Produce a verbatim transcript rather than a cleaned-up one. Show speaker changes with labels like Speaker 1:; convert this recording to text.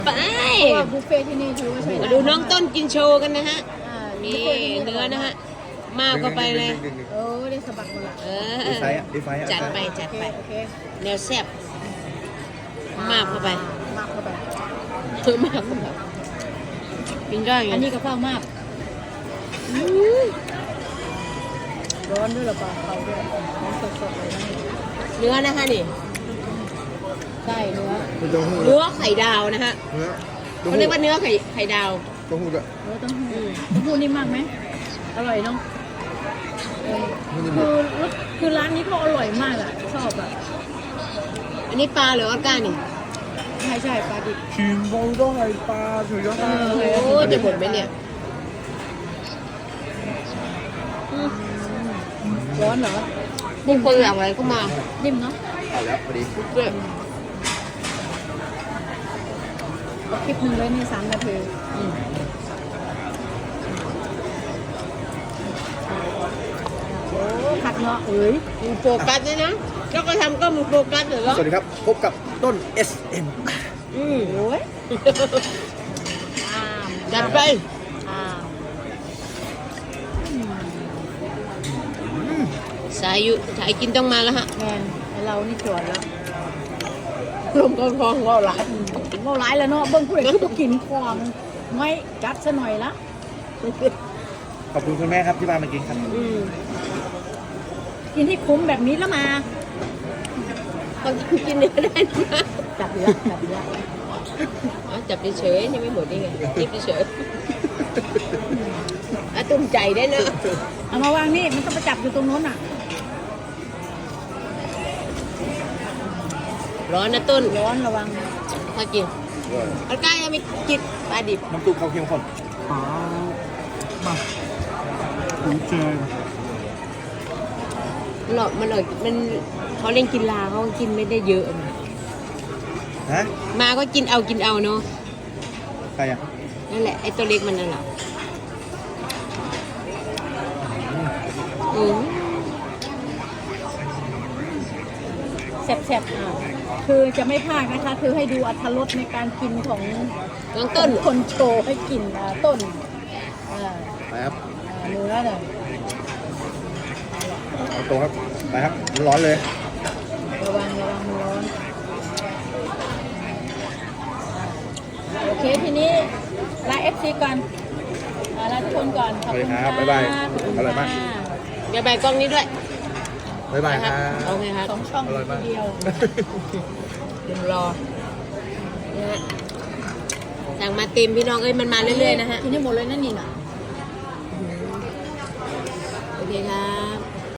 Speaker 1: ไป
Speaker 2: ว่าบุฟเฟ่ที่นี่ถือว่าใช้
Speaker 1: มาดูน้องต้นกินโชว์กันนะฮะนี่เนื้อนะฮะมากเข้าไปเลย
Speaker 2: เออได้สะบัดหมดละ
Speaker 1: เอ
Speaker 3: ดี
Speaker 1: อ
Speaker 3: ไฟอ่ะดีไฟอ่ะ
Speaker 1: จัดไปจัดไป
Speaker 2: โอเค
Speaker 1: แนวแซ่บมากเข้าไป
Speaker 2: มากเข้าไป
Speaker 1: เออมากเข้าไปกินได้ไง
Speaker 2: อันนี้กระเพรามากร้อนด้วยหรือเปล่าเขาด้วยร้อนสดๆเลยนะ
Speaker 1: เนื้อนะคะนี่
Speaker 2: ใช่เนื้อ
Speaker 3: เป็นเต้าหู้
Speaker 1: เนื้อไข่ดาวนะฮะ
Speaker 3: เนื้อ
Speaker 1: เขาเรียกว่าเนื้อไข่ไข่ดาว
Speaker 3: เต้าหู้ด้วย
Speaker 2: เนื้อเต้าหู้เต้าหู้นิ่มมากไหมอร่อยเนาะเออ
Speaker 3: มันจะ
Speaker 2: คือคือร้านนี้เขาอร่อยมากอ่ะชอบอ่ะ
Speaker 1: อันนี้ปลาหรือออก้านี่
Speaker 2: ใช่ใช่ปลาดิบ
Speaker 3: ชิมบองต้องไอปลาถือยอด
Speaker 2: เออ
Speaker 1: โอ้จะหมดไหมเนี่ยอืม
Speaker 2: ร้อนเหรอ
Speaker 1: นี่คนหลังอะไรเข้ามา
Speaker 2: นิ่มเนาะ
Speaker 3: เอาแล้วพอดี
Speaker 1: เพื่อ
Speaker 2: คลิปหนึ่งเลยนี่สามนาที
Speaker 1: อืม
Speaker 2: โอ้ผัดเนาะเอ้ย
Speaker 1: มึงโฟกัสด้วยนะแล้วก็ทำก็มึงโฟกัสเหรอ
Speaker 3: สวัสดีครับพบกับต้น เอส เอ็ม
Speaker 1: อืม
Speaker 2: โอ้ยอ้าม
Speaker 1: จัดไป
Speaker 2: อ้าม
Speaker 1: สายอยู่สายกินต้องมาแล้วฮะ
Speaker 2: แมนไอเรานี่จวดแล้ว
Speaker 1: ลมก็คลองก็หลาย
Speaker 2: เมาร้ายแล้วเนาะเบิ้งผู้ใดคือบ่กินของไม่จัดซะหน่อยละ
Speaker 3: ขอบคุณคุณแม่ครับที่พามากินครับ
Speaker 1: อืม
Speaker 2: กินให้คุ้มแบบนี้แล้วมา
Speaker 1: ต้องกินเนื้อได้นะ
Speaker 2: จับเยอะจับเยอะ
Speaker 1: อ๋อจับเฉยๆยังไม่หมดนี่ไงจิบเฉยๆอ่ะตุ้มใจได้เนอะ
Speaker 2: เอามาวางนี่มันต้องไปจับอยู่ตรงโน้นอ่ะ
Speaker 1: ร้อนนะต้น
Speaker 2: ร้อนระวัง
Speaker 1: ถ้ากินอันก้ายังไม่กินปลาดิบ
Speaker 3: น้ำซุปเขาเข้มข้นอ๋อมาถูเจอ
Speaker 1: หลอดมันหลอดมันเขาเล่นกินลาเขากินไม่ได้เยอะนะ
Speaker 3: ฮะ
Speaker 1: มาก็กินเอากินเอาเนาะ
Speaker 3: ใครอ่ะ
Speaker 1: นั่นแหละไอ้ตัวเล็กมันนั่นแหละอืม
Speaker 2: แซ่บๆอ่ะคือจะไม่พลาดนะคะ คือให้ดูอรรถรสในการกินของ
Speaker 1: น้องต้น
Speaker 2: คนโชว์ให้กินอ่ะต้นอ่า
Speaker 3: ไปครับ
Speaker 2: อ่าเนื้อเนี่ย
Speaker 3: เอาตัวครับไปครับร้อนเลย
Speaker 2: ระวังระวังมันร้อนโอเคทีนี้ลาเอฟซีก่อนอ่าลาทุกคนก่อนขอบคุณค่ะ
Speaker 3: สวัสดีครับบ๊ายบาย
Speaker 2: ขอบคุณ
Speaker 3: อร่อยมาก
Speaker 2: ค่ะ
Speaker 1: อย่าใบกล้องนี้ด้วย
Speaker 3: บ๊ายบายครับ
Speaker 1: โอเคครับ
Speaker 2: สองช่อง
Speaker 3: อร่อยมาก
Speaker 2: ทีเดียว
Speaker 1: เดี๋ยวรอนะฮะสั่งมาเต็มพี่น้องเอ้ยมันมาเรื่อยๆนะฮะ
Speaker 2: ทีนี้หมดเลยนั่นนี่น่ะ
Speaker 1: โอเคครับ